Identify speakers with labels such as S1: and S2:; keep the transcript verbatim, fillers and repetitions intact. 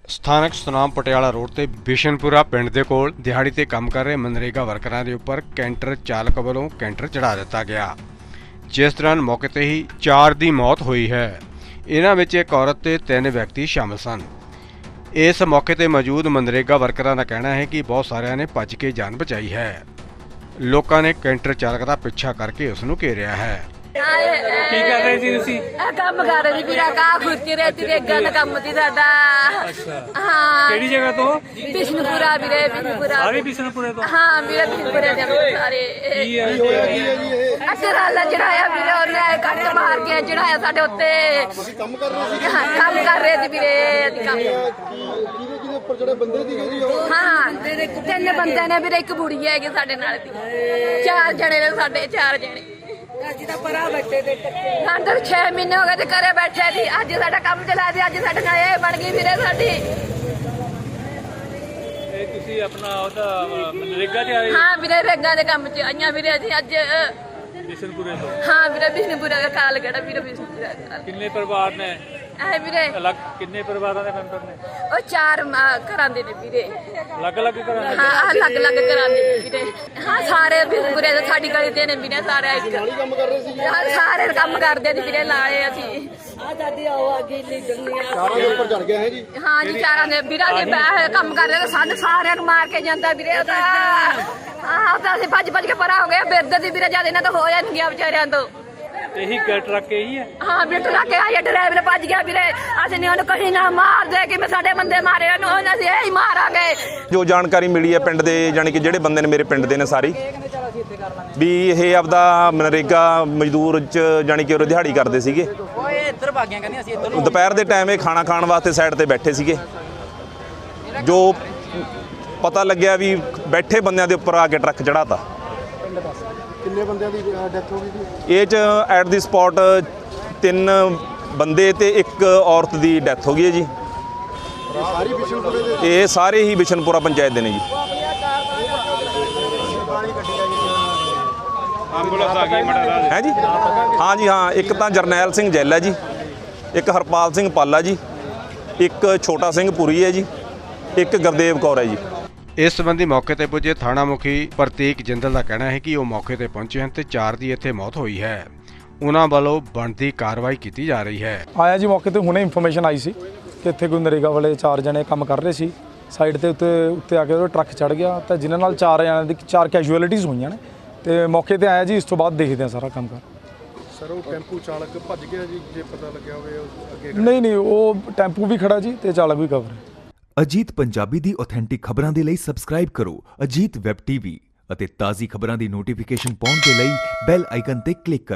S1: ਸਥਾਨਕ ਸੁਨਾਮ ਪਟਿਆਲਾ ਰੋਡ ਤੇ ਬਿਸ਼ਨਪੁਰਾ ਪਿੰਡ ਦੇ ਕੋਲ ਦਿਹਾੜੀ ਤੇ ਕੰਮ ਕਰ ਰਹੇ ਮਨਰੇਗਾ ਵਰਕਰਾਂ ਦੇ ਉੱਪਰ ਕੈਂਟਰ ਚਾਲਕ ਵੱਲੋਂ ਕੈਂਟਰ ਚੜਾ ਦਿੱਤਾ ਗਿਆ, ਜਿਸ ਦੌਰਾਨ ਮੌਕੇ ਤੇ ਹੀ ਚਾਰ ਦੀ ਮੌਤ ਹੋਈ ਹੈ। ਇਹਨਾਂ ਵਿੱਚ ਇੱਕ ਔਰਤ ਤੇ ਤਿੰਨ ਵਿਅਕਤੀ ਸ਼ਾਮਲ ਸਨ। ਇਸ ਮੌਕੇ ਤੇ ਮੌਜੂਦ ਮਨਰੇਗਾ ਵਰਕਰਾਂ ਦਾ ਕਹਿਣਾ ਹੈ ਕਿ ਬਹੁਤ ਸਾਰਿਆਂ ਨੇ ਭੱਜ ਕੇ ਜਾਨ ਬਚਾਈ ਹੈ। ਲੋਕਾਂ ਨੇ ਕੈਂਟਰ ਚਾਲਕ ਦਾ ਪਿੱਛਾ ਕਰਕੇ ਉਸ ਨੂੰ ਘੇਰਿਆ ਹੈ।
S2: ਕੀ ਕਰ ਰਹੇ ਸੀ ਤੁਸੀਂ?
S3: ਇਹ ਕੰਮ ਕਰ ਰਹੀ ਵੀਰਾ ਕਾ ਖੁਰਤੀ ਰਹਤੀ ਰੇਗਾ ਦਾ ਕੰਮ ਸੀ ਸਾਡਾ। ਹਾਂ
S2: ਕਿਹੜੀ ਜਗ੍ਹਾ ਤੋਂ?
S3: ਬਿਸ਼ਨਪੁਰਾ ਵੀਰੇ, ਬਿਸ਼ਨਪੁਰਾ।
S2: ਸਾਰੇ ਬਿਸ਼ਨਪੁਰੇ ਤੋਂ?
S3: ਹਾਂ ਵੀਰੇ, ਬਿਸ਼ਨਪੁਰੇ ਦੇ ਸਾਰੇ।
S2: ਕੀ ਹੈ
S3: ਅਸੀਂ ਰਾਲਾ ਚੜਾਇਆ ਵੀਰੇ, ਉਹਨੇ ਕੱਟ ਮਾਰ ਕੇ ਚੜਾਇਆ ਸਾਡੇ ਉੱਤੇ।
S4: ਕੰਮ ਕਰ ਰਹੇ ਸੀ?
S3: ਹਾਂ ਕੰਮ ਕਰ ਰਹੇ ਸੀ ਵੀਰੇ ਅਸੀਂ ਕੰਮ।
S4: ਕਿਹਦੇ ਕਿਹਦੇ ਉੱਪਰ ਜਿਹੜੇ ਬੰਦੇ ਦੀ ਉਹ
S3: ਹਾਂ ਤਿੰਨ ਬੰਦੇ ਨੇ ਵੀਰੇ, ਇੱਕ ਬੁੜੀ ਹੈਗੀ ਸਾਡੇ ਨਾਲ ਦੀ। ਚਾਰ ਜਣੇ ਨੇ ਸਾਡੇ, ਚਾਰ ਜਣੇ। ਅੱਜ ਤਾਂ ਪਰਾ ਬੈਠੇ ਤੇ ਅੰਦਰ ਛੇ ਮਹੀਨੇ ਹੋ ਗਏ ਤੇ ਘਰੇ ਬੈਠੇ ਸੀ। ਅੱਜ ਸਾਡਾ ਕੰਮ ਚਲਾ ਦੀ, ਅੱਜ ਸਾਡੇ ਨਾਲ ਇਹ ਬਣ ਗਈ ਵੀਰੇ ਸਾਡੀ।
S2: ਇਹ ਤੁਸੀਂ ਆਪਣਾ ਉਹਦਾ ਮਨਰੇਗਾ ਤੇ ਆਏ?
S3: ਹਾਂ ਵੀਰੇ ਰੇਗਾ ਦੇ ਕੰਮ ਚ ਆਈਆਂ ਵੀਰੇ ਅਸੀਂ ਅੱਜ।
S2: ਬਿਸ਼ਨਪੁਰੇ ਤੋਂ?
S3: ਹਾਂ ਵੀਰੇ ਬਿਸ਼ਨਪੁਰਾ ਦਾ ਕਾਲ ਕਿਹੜਾ ਵੀਰੇ, ਬਿਸ਼ਨਪੁਰਾ ਦਾ ਕਾਲ।
S2: ਕਿੰਨੇ ਪਰਿਵਾਰ ਨੇ?
S3: ਐ ਵੀਰੇ
S2: ਅਲੱਗ ਕਿੰਨੇ ਪਰਿਵਾਰਾਂ ਦੇ ਮੈਂਬਰ ਨੇ?
S3: ਉਹ ਚਾਰ ਘਰਾਂ ਦੇ ਨੇ ਵੀਰੇ।
S2: ਅਲੱਗ-ਅਲੱਗ ਘਰਾਂ ਦੇ?
S3: ਹਾਂ ਅਲੱਗ ਅਲੱਗ ਘਰਾਂ ਦੇ ਨੇ ਵੀਰੇ। ਹਾਂ ਸਾਰੇ ਬਿਸ਼ਨਪੁਰੇ ਦੇ ਸਾਡੀ ਗਲੀ ਦੇ ਨੇ ਵੀਰੇ ਸਾਰੇ। ਇੱਕ
S4: ਕੰਮ ਕਰ ਰਹੇ ਸੀ?
S3: ਹਾਂ ਸਾਰੇ ਕੰਮ ਕਰਦੇ ਨੇ ਵੀਰੇ, ਲਾਏ ਅਸੀਂ। ਆ ਦਾਦੀ ਆਓ ਅੱਗੇ ਲਈ ਦੁਨੀਆ
S4: ਚਾਰਾਂ ਦੇ ਉੱਪਰ ਚੜ ਗਿਆ ਹੈ ਜੀ?
S3: ਹਾਂ ਜੀ ਚਾਰਾਂ ਦੇ ਵੀਰਾਂ ਦੇ ਬੈਠ ਕੰਮ ਕਰਦੇ ਤੇ ਸਾਡੇ ਸਾਰਿਆਂ ਨੂੰ ਮਾਰ ਕੇ ਜਾਂਦਾ ਵੀਰੇ ਉਹਦਾ। ਹਾਂ ਉਹ ਤਾਂ ਅਸੀਂ ਭੱਜ ਭੱਜ ਕੇ ਪਰਾਂ ਹੋ ਗਏ ਬਿਰਦ ਦੀ ਵੀਰੇ, ਜਦ ਇਹਨਾਂ ਤੋਂ ਹੋ ਜਾਂਦੀਆਂ ਵਿਚਾਰਿਆਂ ਤੋਂ।
S2: ਇਹੀ ਟਰੱਕ ਇਹੀ ਹੈ?
S3: ਹਾਂ ਬਿੱਟ ਲਾ ਕੇ ਆਇਆ ਡਰਾਈਵਰ ਭੱਜ ਗਿਆ ਵੀਰੇ। ਅਸੀਂ ਨੇ ਉਹਨੂੰ ਕਹੀ ਨਾ ਮਾਰ ਦੇ ਕਿ ਮੈਂ ਸਾਡੇ ਬੰਦੇ ਮਾਰੇ ਉਹਨੂੰ, ਉਹਨਾਂ ਦੀ ਇਹੀ ਮਾਰਾਂਗੇ।
S5: ਜੋ ਜਾਣਕਾਰੀ ਮਿਲੀ ਹੈ ਪਿੰਡ ਦੇ, ਜਾਣੀ ਕਿ ਜਿਹੜੇ ਬੰਦੇ ਨੇ ਮੇਰੇ ਪਿੰਡ ਦੇ ਨੇ ਸਾਰੀ, ਵੀ ਇਹ ਆਪਦਾ ਮਨਰੇਗਾ ਮਜ਼ਦੂਰ ਚ ਜਾਣੀ ਕਿ ਉਹ ਦਿਹਾੜੀ ਕਰਦੇ ਸੀਗੇ। ਦੁਪਹਿਰ ਦੇ ਟਾਈਮ ਇਹ ਖਾਣਾ ਖਾਣ ਵਾਸਤੇ ਸਾਈਡ ਤੇ ਬੈਠੇ ਸੀਗੇ। ਜੋ ਪਤਾ ਲੱਗਿਆ ਵੀ ਬੈਠੇ ਬੰਦਿਆਂ ਦੇ ਉੱਪਰ ਆ ਕੇ ਟਰੱਕ ਚੜਾਤਾ।
S4: ਕਿੰਨੇ ਬੰਦਿਆਂ ਦੀ ਡੈਥ ਹੋ ਗਈ ਜੀ?
S5: ਇਹ ਚ ਐਟ ਦੀ ਸਪੌਟ ਤਿੰਨ ਬੰਦੇ ਤੇ ਇੱਕ ਔਰਤ ਦੀ ਡੈਥ ਹੋ ਗਈ ਹੈ ਜੀ।
S4: ਸਾਰੀ ਬਿਸ਼ਨਪੁਰੇ ਦੇ?
S5: ਇਹ ਸਾਰੇ ਹੀ ਬਿਸ਼ਨਪੁਰਾ ਪੰਚਾਇਤ ਦੇ ਨੇ ਜੀ।
S1: ਐਂਬੂਲੈਂਸ ਆ ਗਈ ਮੜਾ
S5: ਹੈ ਜੀ? ਹਾਂ ਜੀ ਹਾਂ, ਇੱਕ ਤਾਂ ਜਰਨੈਲ ਸਿੰਘ ਜੈਲ ਹੈ ਜੀ, ਇੱਕ ਹਰਪਾਲ ਸਿੰਘ ਪਾਲਾ ਜੀ, ਇੱਕ ਛੋਟਾ ਸਿੰਘ ਪੁਰੀ ਹੈ ਜੀ, ਇੱਕ ਗੁਰਦੇਵ ਕੌਰ ਹੈ ਜੀ।
S1: ਇਸ ਸੰਬੰਧੀ ਮੌਕੇ ਤੇ ਪੁੱਜੇ ਥਾਣਾ ਮੁਖੀ ਪ੍ਰਤੀਕ ਜਿੰਦਲ ਦਾ ਕਹਿਣਾ ਹੈ ਕਿ ਉਹ ਮੌਕੇ ਤੇ ਪਹੁੰਚੇ ਹਨ ਤੇ ਚਾਰ ਦੀ ਇੱਥੇ ਮੌਤ ਹੋਈ ਹੈ। ਉਹਨਾਂ ਵੱਲੋਂ ਬਣਦੀ ਕਾਰਵਾਈ ਕੀਤੀ ਜਾ ਰਹੀ ਹੈ।
S6: ਆਇਆ ਜੀ ਮੌਕੇ ਤੇ ਹੁਣੇ ਇਨਫੋਰਮੇਸ਼ਨ ਆਈ ਸੀ ਕਿ ਇੱਥੇ ਕੋਈ ਨਰੇਗਾ ਵਾਲੇ ਚਾਰ ਜਣੇ ਕੰਮ ਕਰ ਰਹੇ ਸੀ। ਸਾਈਡ ਤੇ ਉੱਤੇ ਉੱਤੇ ਆ ਕੇ ਉਹ ਟਰੱਕ ਚੜ ਗਿਆ ਤਾਂ ਜਿਨ੍ਹਾਂ ਨਾਲ ਚਾਰ ਜਣਿਆਂ ਦੀ ਚਾਰ ਕੈਜੂਅਲਿਟੀਜ਼ ਹੋਈਆਂ ਨੇ ਤੇ ਮੌਕੇ ਤੇ ਆਇਆ ਜੀ। ਇਸ ਤੋਂ ਬਾਅਦ ਦੇਖਦੇ ਆ ਸਾਰਾ ਕੰਮ ਕਰ।
S4: ਸਰ ਉਹ ਟੈਂਪੂ ਚਾਲਕ ਭੱਜ ਗਿਆ ਜੀ, ਜੇ ਪਤਾ ਲੱਗਿਆ ਹੋਵੇ ਅੱਗੇ?
S6: ਨਹੀਂ ਨਹੀਂ, ਉਹ ਟੈਂਪੂ ਵੀ ਖੜਾ ਜੀ ਤੇ ਚਾਲਕ ਵੀ ਕਵਰ ਹੈ।
S7: ਅਜੀਤ ਪੰਜਾਬੀ ਦੀ ਆਥੈਂਟਿਕ ਖਬਰਾਂ ਦੇ ਲਈ ਸਬਸਕ੍ਰਾਈਬ ਕਰੋ ਅਜੀਤ ਵੈਬ ਟੀਵੀ ਅਤੇ ਤਾਜ਼ੀ ਖਬਰਾਂ ਦੀ ਨੋਟੀਫਿਕੇਸ਼ਨ ਪਾਉਣ ਦੇ ਲਈ ਬੈਲ ਆਈਕਨ ਤੇ ਕਲਿੱਕ ਕਰੋ।